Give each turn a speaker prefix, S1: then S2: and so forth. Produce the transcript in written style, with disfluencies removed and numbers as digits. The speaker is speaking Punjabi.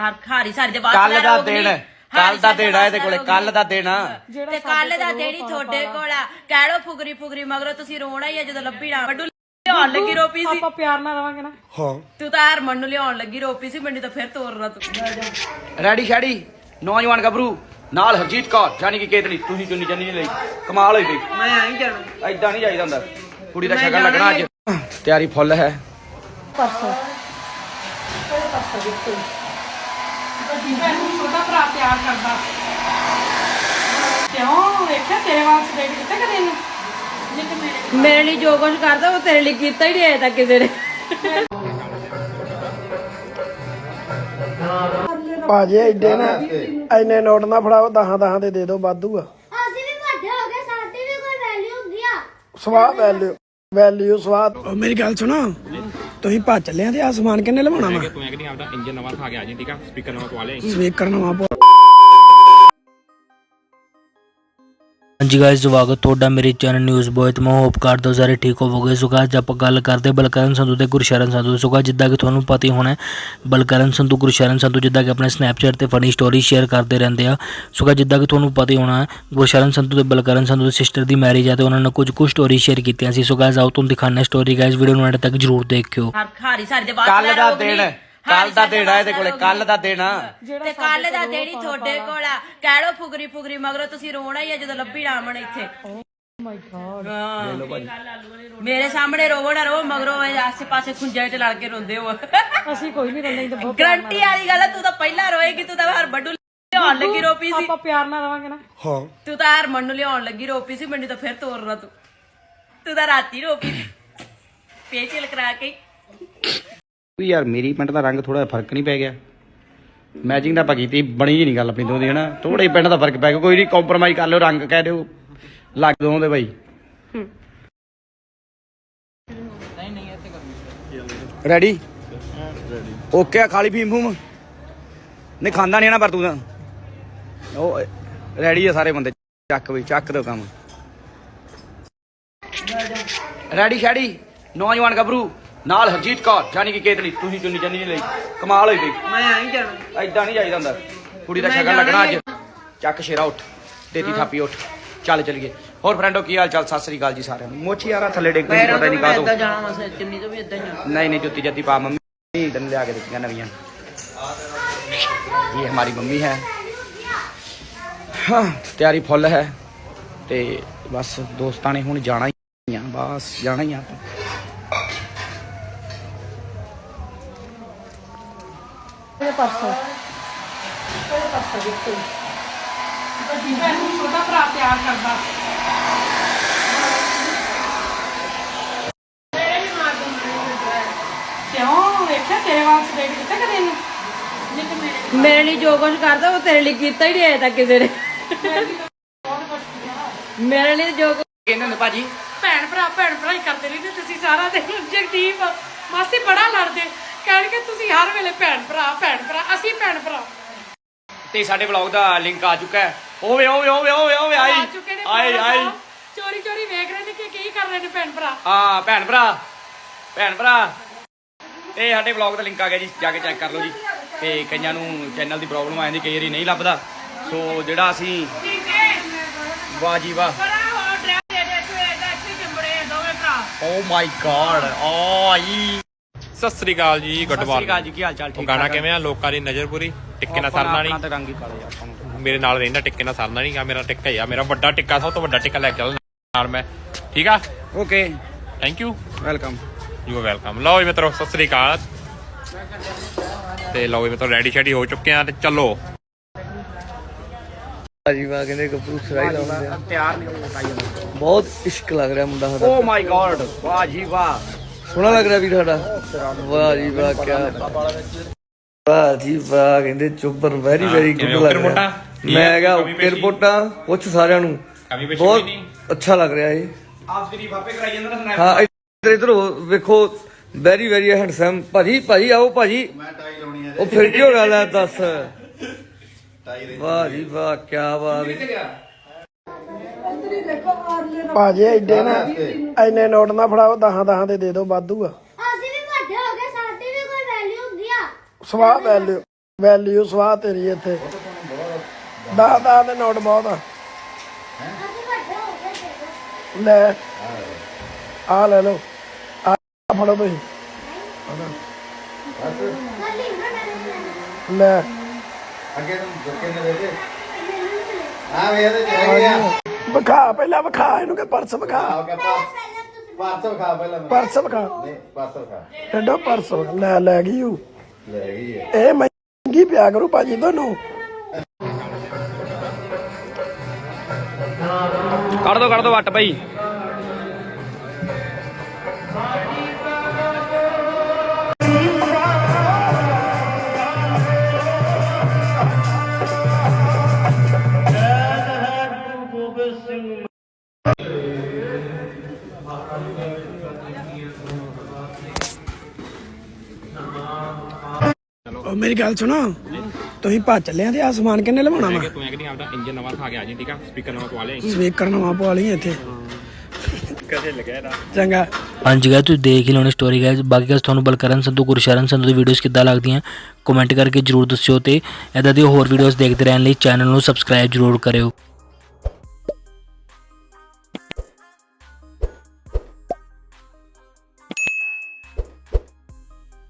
S1: ਖਾਰੀ ਸਾਰੀ ਦੇ ਬਾਅਦ
S2: ਕੱਲ ਦਾ ਦਿਨ ਕੱਲ ਦਾ ਦਿਨ ਆ ਇਹਦੇ ਕੋਲੇ ਕੱਲ ਦਾ ਦਿਨ
S1: ਤੇ ਕੱਲ ਦਾ ਦਿਨ ਹੀ ਤੁਹਾਡੇ ਕੋਲ ਆ। ਕਹਿ ਲੋ ਫੁਗਰੀ ਫੁਗਰੀ ਮਗਰੋਂ ਤੁਸੀਂ ਰੋਣਾ ਹੀ ਆ ਜਦੋਂ ਲੱਭੀ ਨਾ ਵੱਡੂ ਲਿਆਉਣ ਲੱਗੀ ਰੋਪੀ ਸੀ।
S3: ਆਪਾਂ ਪਿਆਰ ਨਾਲ ਰਵਾਂਗੇ ਨਾ।
S2: ਹਾਂ
S1: ਤੂੰ ਤਾਂ ਹਰਮਨ ਨੂੰ ਲਿਆਉਣ ਲੱਗੀ ਰੋਪੀ ਸੀ, ਮੈਨੂੰ ਤਾਂ ਫਿਰ ਤੋਰਨਾ ਤੂੰ।
S2: ਰੈਡੀ ਸ਼ੈਡੀ ਨੌਜਵਾਨ ਗੱਭਰੂ ਨਾਲ ਹਰਜੀਤ ਕੌਰ ਜਾਨੀ ਕਿ ਕੇਤਲੀ ਤੁਸੀਂ ਚੁੰਨੀ ਚੰਨੀ ਨਹੀਂ ਲਈ ਕਮਾਲ ਹੋਈ ਗਈ।
S1: ਮੈਂ ਆਈ ਜਾਣਾ
S2: ਐਦਾਂ ਨਹੀਂ ਜਾਈਦਾ ਹੁੰਦਾ। ਕੁੜੀ ਦਾ ਸ਼ਗਨ ਲੱਗਣਾ ਅੱਜ। ਤਿਆਰੀ ਫੁੱਲ ਹੈ।
S3: ਪਰਸੋਂ ਵੱਡੀ ਭੈਣ ਨੂੰ ਛੋਟਾ ਭਰਾ ਪਿਆਰ ਕਰਦਾ। ਕਿਉਂ ਵੇਖਿਆ ਤੇਰੇ ਵਾਸਤੇ ਦੇਖ ਕਿੱਥੇ ਕਰੇ ਇਹਨੂੰ
S1: ਮੇਰੇ ਲਈ ਜੋ ਕੁਝ ਕਰਦਾ ਉਹ ਤੇਰੇ ਲਈ ਕੀਤਾ ਹੀ ਨਹੀਂ ਅਜੇ ਤੱਕ ਕਿਸੇ ਨੇ।
S4: ਭਾਜੀ ਐਡੇ ਨਾ ਐਨੇ ਨੋਟ ਨਾ ਫੜਾਓ, 10 ਦੇ ਦੇ ਦਿਓ ਵਾਧੂ ਆ।
S5: ਅਸੀਂ ਵੀ ਵੱਡੇ ਹੋ ਗਏ, ਸਾਡੀ ਵੀ ਕੋਈ ਵੈਲਿਊ ਹੁੰਦੀ ਆ।
S4: ਸਵਾਦ ਵੈਲਿਊ ਸਵਾਦ। ਮੇਰੀ ਗੱਲ ਸੁਣੋ, ਤੁਸੀਂ ਭੱਜ ਚੱਲਿਆ ਤੇ ਆ ਸਮਾਨ ਕਿੰਨੇ ਲਵਾਉਣਾ ਵਾ?
S6: ਤੂੰ ਐ ਕਿ ਨਹੀਂ ਆਪਦਾ ਇੰਜਨ ਨਵਾਂ ਖਾ ਕੇ ਆ ਜੀ, ਠੀਕ ਆ? ਸਪੀਕਰ ਨਵਾਂ ਪਵਾ ਲੈ।
S4: ਸਪੀਕਰ ਨਵਾਂ ਪਵਾ।
S7: ਹਾਂਜੀ ਗਾਇਸ, ਸਵਾਗਤ ਤੁਹਾਡਾ ਮੇਰੇ ਚੈਨਲ ਨਿਊਜ਼ ਬੋਏ ਤੇ ਮੈਂ ਹੋਪ ਕਰਦਾ ਹਾਂ ਸਾਰੇ ਠੀਕ ਹੋਵੋਗੇ। ਸੋ ਗਾਇਸ ਆਪਾਂ ਗੱਲ ਕਰਦੇ ਬਲਕਰਨ ਸੰਧੂ ਤੇ ਗੁਰਸ਼ਰਨ ਸੰਧੂ। ਸੋ ਗਾਇਸ ਜਿੱਦਾਂ ਕਿ ਤੁਹਾਨੂੰ ਪਤਾ ਹੀ ਹੋਣਾ, ਬਲਕਰਨ ਸੰਧੂ ਗੁਰਸ਼ਰਨ ਸੰਧੂ ਜਿੱਦਾਂ ਕਿ ਆਪਣੇ ਸਨੈਪਚੈਟ ਤੇ ਫਨੀ ਸਟੋਰੀ ਸ਼ੇਅਰ ਕਰਦੇ ਰਹਿੰਦੇ ਆ। ਸੋ ਗਾਇਸ ਜਿੱਦਾਂ ਕਿ ਤੁਹਾਨੂੰ ਪਤਾ ਹੀ ਹੋਣਾ, ਗੁਰਸ਼ਰਨ ਸੰਧੂ ਤੇ ਬਲਕਰਨ ਸੰਧੂ ਦੀ ਸਿਸਟਰ ਦੀ ਮੈਰਿਜ ਹੈ ਤੇ ਉਹਨਾਂ ਨੇ ਕੁਝ ਸਟੋਰੀ ਸ਼ੇਅਰ ਕੀਤੀਆਂ ਸੀ। ਸੋ ਗਾਇਸ ਆਓ ਤੁਹਾਨੂੰ ਦਿਖਾਉਂਦੇ ਸਟੋਰੀ। ਗਾਇਸ ਵੀਡੀਓ ਨੂੰ ਐਂਡ ਤੱਕ ਜਰੂਰ ਦੇਖਿਓ।
S1: ਖਾਰੀ ਸਾਰੀ ਦੇ ਬਾਅਦ
S2: ਕੱਲ ਦਾ ਦਿਨ ਕੱਲ ਦਾ ਦਿਨ ਆ ਇਹਦੇ ਕੋਲੇ ਕੱਲ ਦਾ ਦਿਨ
S1: ਤੇ ਕੱਲ ਦਾ ਦਿਨ ਹੀ ਤੁਹਾਡੇ ਕੋਲ ਆ। ਕਹਿ ਲੋ ਫੁਗਰੀ ਫੁਗਰੀ ਮਗਰੋਂ ਤੁਸੀਂ ਰੋਣਾ ਹੀ ਆ ਜਦੋਂ ਲੱਭੀ ਨਾ ਆਵਣ ਇੱਥੇ। ਮੇਰੇ ਸਾਹਮਣੇ ਰੋਵੋ ਨਾ ਰੋ, ਮਗਰੋਂ ਆਸੇ ਪਾਸੇ ਖੁੰਝੇ ਚ ਲੜ ਕੇ ਰੋਂਦੇ ਹੋ।
S3: ਅਸੀਂ ਕੋਈ ਨਹੀਂ ਰੰਦੇ।
S1: ਗਰੰਟੀ ਵਾਲੀ ਗੱਲ ਆ, ਤੂੰ ਤਾਂ ਪਹਿਲਾਂ ਰੋਏਗੀ। ਤੂੰ ਤਾਂ ਹਰ ਵੱਡੂ ਲਿਆਉਣ ਲੱਗੀ ਰੋਪੀ ਸੀ।
S3: ਆਪਾਂ ਪਿਆਰ ਨਾਲ ਰਵਾਂਗੇ ਨਾ।
S4: ਹਾਂ
S1: ਤੂੰ ਤਾਂ ਹਰਮਨ ਨੂੰ ਲਿਆਉਣ ਲੱਗੀ ਰੋਪੀ ਸੀ, ਮੈਨੂੰ ਤਾਂ ਫਿਰ ਤੋਰਨਾ ਤੂੰ ਤਾਂ ਰਾਤੀ ਰੋਪੀ ਫੇਸ਼ੀਅਲ ਕਰਾ ਕੇ।
S2: ਯਾਰ ਮੇਰੀ ਪੈਂਟ ਦਾ ਰੰਗ ਥੋੜਾ ਫਰਕ ਨਹੀਂ ਪੈ ਗਿਆ। ਮੈਚਿੰਗ ਤਾਂ ਆਪਾਂ ਕੀਤੀ, ਬਣੀ ਜੀ ਨਹੀਂ ਗੱਲ ਆਪਣੀ ਦੋਦੀ ਹਨਾ। ਥੋੜਾ ਹੀ ਪੈਂਟ ਦਾ ਫਰਕ ਪੈ ਗਿਆ। ਕੋਈ ਨਹੀਂ, ਕੰਪਰੋਮਾਈਜ਼ ਕਰ ਲਿਓ, ਰੰਗ ਕਹਿ ਦਿਓ ਲੱਗ ਦੋਦੇ ਬਾਈ। ਰੈਡੀ ਓਕੇ ਆ। ਖਾਲੀ ਫੀਮ ਫੂਮ ਨਹੀਂ ਖਾਂਦਾ ਨਹੀਂ ਨਾ, ਪਰ ਤੂੰ ਤਾਂ ਉਹ ਰੈਡੀ ਆ ਸਾਰੇ ਬੰਦੇ। ਚੱਕ ਬਈ ਚੱਕ ਦਿਓ ਕੰਮ। ਰੈਡੀ ਸ਼ੈਡੀ ਨੌਜਵਾਨ ਗੱਭਰੂ ਨਾਲ ਹਰਜੀਤ ਕੌਰ ਜਾਨੀ ਕਿ ਕੇਤਲੀ ਤੁਸੀਂ ਚੁੰਨੀ ਚੰਨੀ ਨਹੀਂ ਲਈ ਕਮਾਲ ਹੋਈ ਗਈ। ਮੈਂ ਆਈ ਜਾਣਾ ਐਦਾਂ ਨਹੀਂ ਜਾਈਦਾ ਹੁੰਦਾ। ਕੁੜੀ ਦਾ ਸ਼ਗਨ ਲੱਗਣਾ ਅੱਜ। ਚੱਕ ਸ਼ੇਰਾ ਉੱਠ, ਦੇਤੀ ਥਾਪੀ ਉੱਠ, ਚੱਲ ਚਲੀਏ। ਹੋਰ ਫਰੈਂਡੋ ਕੀ ਹਾਲ ਚਾਲ? ਸਤਿ ਸ੍ਰੀ ਅਕਾਲ ਜੀ ਸਾਰਿਆਂ ਨੂੰ। ਮੋਚੀ ਯਾਰਾ ਥੱਲੇ ਡਿੱਗ ਪਈ, ਪਤਾ ਨਹੀਂ ਕਾਹਤੋਂ। ਨਹੀਂ ਜੁੱਤੀ ਜੱਤੀ ਪਾ, ਮੰਮੀ ਤੈਨੂੰ ਲਿਆ ਕੇ ਦਿੱਤੀਆਂ ਨਵੀਆਂ। ਇਹ ਹਮਾਰੀ ਮੰਮੀ ਹੈ। ਹਾਂ ਤਿਆਰੀ ਫੁੱਲ ਹੈ ਤੇ ਬਸ ਦੋਸਤਾਂ ਨੇ ਹੁਣ ਜਾਣਾ ਹੀ ਆ, ਬਸ ਜਾਣਾ ਹੀ ਆ ਆਪਾਂ।
S3: ਪਰਸੋਂ ਵੱਡੀ ਭੈਣ ਨੂੰ ਛੋਟਾ ਭਰਾ ਪਿਆਰ ਕਰਦਾ। ਕਿਉਂ ਵੇਖਿਆ ਤੇਰੇ ਵਾਸਤੇ ਦੇਖ ਕਿੱਥੇ ਕਰੇ ਇਹਨੂੰ
S1: ਮੇਰੇ ਲਈ ਜੋ ਕੁਝ ਕਰਦਾ ਉਹ ਤੇਰੇ ਲਈ ਕੀਤਾ ਹੀ ਨਹੀਂ ਅਜੇ ਤੱਕ ਕਿਸੇ ਨੇ। ਮੇਰੇ ਲਈ ਜੋ
S2: ਕਹਿੰਦੇ ਹੁੰਦੇ ਭਾਜੀ
S3: ਭੈਣ ਭਰਾ ਹੀ ਕਰਦੇ ਰਹਿੰਦੇ ਤੁਸੀਂ ਸਾਰਾ ਦਿਨ। ਜਗਦੀਪ ਮਾਸੀ ਬੜਾ ਲੜਦੇ, ਕਹਿਣਗੇ ਤੁਸੀਂ ਹਰ ਵੇਲੇ ਭੈਣ ਭਰਾ ਅਸੀਂ ਭੈਣ ਭਰਾ।
S2: ਤੇ ਸਾਡੇ ਵਲੌਗ ਦਾ ਲਿੰਕ ਆ ਚੁੱਕਾ ਹੈ। ਓਵੇ ਆਈ ਆਈ
S3: ਚੋਰੀ ਵੇਖ ਰਹੇ ਨੇ ਕਿ ਕੀ ਕਰ ਰਹੇ ਨੇ ਭੈਣ ਭਰਾ।
S2: ਹਾਂ ਭੈਣ ਭਰਾ ਇਹ ਸਾਡੇ ਵਲੌਗ ਦਾ ਲਿੰਕ ਆ ਗਿਆ ਜੀ, ਜਾ ਕੇ ਚੈੱਕ ਕਰ ਲਓ ਜੀ। ਤੇ ਕਈਆਂ ਨੂੰ ਚੈਨਲ ਦੀ ਪ੍ਰੋਬਲਮ ਆ ਜਾਂਦੀ, ਕਈ ਵਾਰੀ ਨਹੀਂ ਲੱਭਦਾ। ਸੋ ਜਿਹੜਾ ਅਸੀਂ ਵਾਹ ਜੀ ਵਾਹ, ਓ ਮਾਈ ਗॉड ਆਈ।
S6: ਸਤਿ ਸ੍ਰੀ ਅਕਾਲ ਜੀ, ਗੁੱਡ ਮਾਰਨਿੰਗ
S2: ਜੀ, ਕੀ ਹਾਲ ਚਾਲ? ਠੀਕ
S6: ਗਾਣਾ ਕਿਵੇਂ ਆ? ਲੋਕਾਂ ਦੀ ਨਜ਼ਰ ਪੂਰੀ ਟਿੱਕੇ ਨਾਲ ਸਰਨਾ ਨਹੀਂ।
S2: ਰੰਗ ਹੀ ਕਾਲੇ ਯਾਰ ਤੁਹਾਨੂੰ।
S6: ਮੇਰੇ ਨਾਲ ਰਹਿੰਦਾ ਟਿੱਕੇ ਨਾਲ ਸਰਨਾ ਨਹੀਂ ਗਾ। ਮੇਰਾ ਟਿੱਕਾ ਹੀ ਆ, ਮੇਰਾ ਵੱਡਾ ਟਿੱਕਾ, ਸਭ ਤੋਂ ਵੱਡਾ ਟਿੱਕਾ ਲੈ ਕੇ ਚੱਲ ਨਾਲ ਮੈਂ, ਠੀਕ ਆ?
S2: Okay
S6: thank you,
S2: welcome.
S6: You are welcome. ਲਓ ਜੀ ਮਿੱਤਰੋ, ਸਤਿ ਸ੍ਰੀ ਅਕਾਲ। ਤੇ ਲਓ ਜੀ ਮਿੱਤਰੋ, ਰੈਡੀ ਸ਼ੈਡੀ ਹੋ ਚੁੱਕੇ ਆ ਤੇ ਚੱਲੋ।
S4: ਭਾਜੀ ਵਾਹ ਕਹਿੰਦੇ ਗੱਭਰੂ ਸਰਾਈ ਲਾਉਂਦੇ।
S2: ਤਿਆਰ ਨਹੀਂ ਹੋ ਪਾਈ ਜਾਂਦਾ।
S4: ਬਹੁਤ ਇਸ਼ਕ ਲੱਗ ਰਿਹਾ ਮੁੰਡਾ ਸਾਡਾ।
S2: ਓ ਮਾਈ ਗॉड ਵਾਹ ਜੀ ਵਾਹ,
S4: ਸੋਹਣਾ ਲੱਗ ਰਿਹਾ ਵੀਰ ਸਾਡਾ। ਵਾਹ ਜੀ ਵਾਹ, ਕਿਆ ਵਾਹ ਜੀ ਵਾਹ ਕਹਿੰਦੇ ਚੁੱਬਰ ਵੈਰੀ ਗੁੱਡ ਲੱਗ ਰਿਹਾ। ਮੈਂ ਕਿਹਾ ਓਕੇ ਰਿਪੋਰਟਾਂ ਪੁੱਛ ਸਾਰਿਆਂ ਨੂੰ, ਬਹੁਤ ਅੱਛਾ ਲੱਗ ਰਿਹਾ ਇਹ।
S2: ਆਪ ਸ਼ਰੀਫ ਆਪੇ ਕਰਾਈ ਜਾਂਦਾ ਨਾ।
S4: ਹਾਂ ਇੱਧਰ ਵੇਖੋ, ਵੈਰੀ ਹੈਂਡਸਮ। ਭਾਜੀ ਆਓ ਭਾਜੀ। ਉਹ ਫਿਰ ਕੀ ਹੋ ਗਿਆ ਦੱਸ। ਵਾਹ ਜੀ ਵਾਹ, ਕਿਆ ਬਾਤ ਹੈ। ਭਾਜੀ ਐਡੇ ਨਾ ਐਨੇ ਨੋਟ ਨਾ ਫੜਾਓ, 10 ਦੇ ਦੇ ਦਿਓ ਵਾਧੂ ਆ।
S5: ਅਸੀਂ ਵੀ ਵੱਡੇ ਹੋ ਗਏ, ਸਾਡੀ ਵੀ ਕੋਈ ਵੈਲਿਊ ਹੁੰਦੀ ਆ।
S4: ਸਵਾਦ
S8: ਵੈਲਿਊ ਸਵਾਹ ਤੇਰੀ ਇੱਥੇ 10 ਦੇ ਨੋਟ ਬਹੁਤ ਆ
S5: ਅਸੀਂ ਵੱਡੇ ਹੋ ਗਏ ਦੇਖੋ
S8: ਲੈ ਆ ਲੈ ਲਓ ਆ ਫੜੋ ਤੁਸੀਂ
S5: ਕੱਲੀ ਨਾ ਡਰੇ
S8: ਲੈ
S2: ਅੱਗੇ ਨੂੰ ਜੁਕੇ ਨੇ ਦੇ ਦੇ
S5: ਮੈਨੂੰ
S2: ਆ ਵੇ ਇਹਦੇ ਚ ਹੈਗੇ ਆ
S8: ਵਿਖਾ ਪਹਿਲਾਂ ਵਿਖਾ ਇਹਨੂੰ ਕਿ ਪਰਸ ਵਿਖਾ
S2: ਪਰਸ ਖਾ ਪਹਿਲਾਂ
S8: ਪਰਸ ਵਿਖਾ
S2: ਪਰਸ ਖਾ
S8: ਐਡੋ ਪਰਸ ਵਿਖਾ। ਲੈ ਗਈ ਉਹ
S2: ਲੈ ਗਈ ਹੈ
S8: ਇਹ ਮਹਿੰਗੀ ਪਿਆ ਕਰੂ ਭਾਜੀ ਤੁਹਾਨੂੰ
S2: ਕੱਢ ਦੋ ਵੱਟ ਭਾਈ
S8: ਉਹ ਮੇਰੀ ਗੱਲ ਸੁਣੋ ਤੁਸੀਂ ਭੱਜ ਚੱਲਿਆ ਤੇ ਆ ਸਮਾਨ ਕਿੰਨੇ ਲਵਾਉਣਾ ਵਾ
S6: ਤੂੰ ਐ ਕਿ ਨਹੀਂ ਆਪਦਾ ਇੰਜਨ ਨਵਾਂ ਖਾ ਕੇ ਆ ਜੀ ਠੀਕ ਆ ਸਪੀਕਰ ਨਵਾਂ ਪਵਾ ਲਿਆ
S8: ਸਪੀਕਰ ਨਵਾਂ ਪਵਾ ਲਈ ਇੱਥੇ
S6: ਕਦੇ ਲੱਗਿਆ ਇਹਦਾ
S8: ਚੰਗਾ
S7: ਹਾਂਜੀ ਗਾਇਸ ਤੁਸੀਂ ਦੇਖ ਹੀ ਲਓਣੀ ਸਟੋਰੀ ਗਾਇਸ ਬਾਕੀ ਗਾਇਸ ਤੁਹਾਨੂੰ ਬਲਕਰਨ ਸੰਧੂ ਗੁਰਸ਼ਰਨ ਸੰਧੂ ਦੀ ਵੀਡੀਓਜ਼ ਕਿੱਦਾਂ ਲੱਗਦੀਆਂ ਕਮੈਂਟ ਕਰਕੇ ਜਰੂਰ ਦੱਸਿਓ ਤੇ ਇਦਾਂ ਦੀ ਹੋਰ ਵੀਡੀਓਜ਼ ਦੇਖਦੇ ਰਹਿਣ ਲਈ ਚੈਨਲ ਨੂੰ ਸਬਸਕ੍ਰਾਈਬ ਜਰੂਰ ਕਰਿਓ।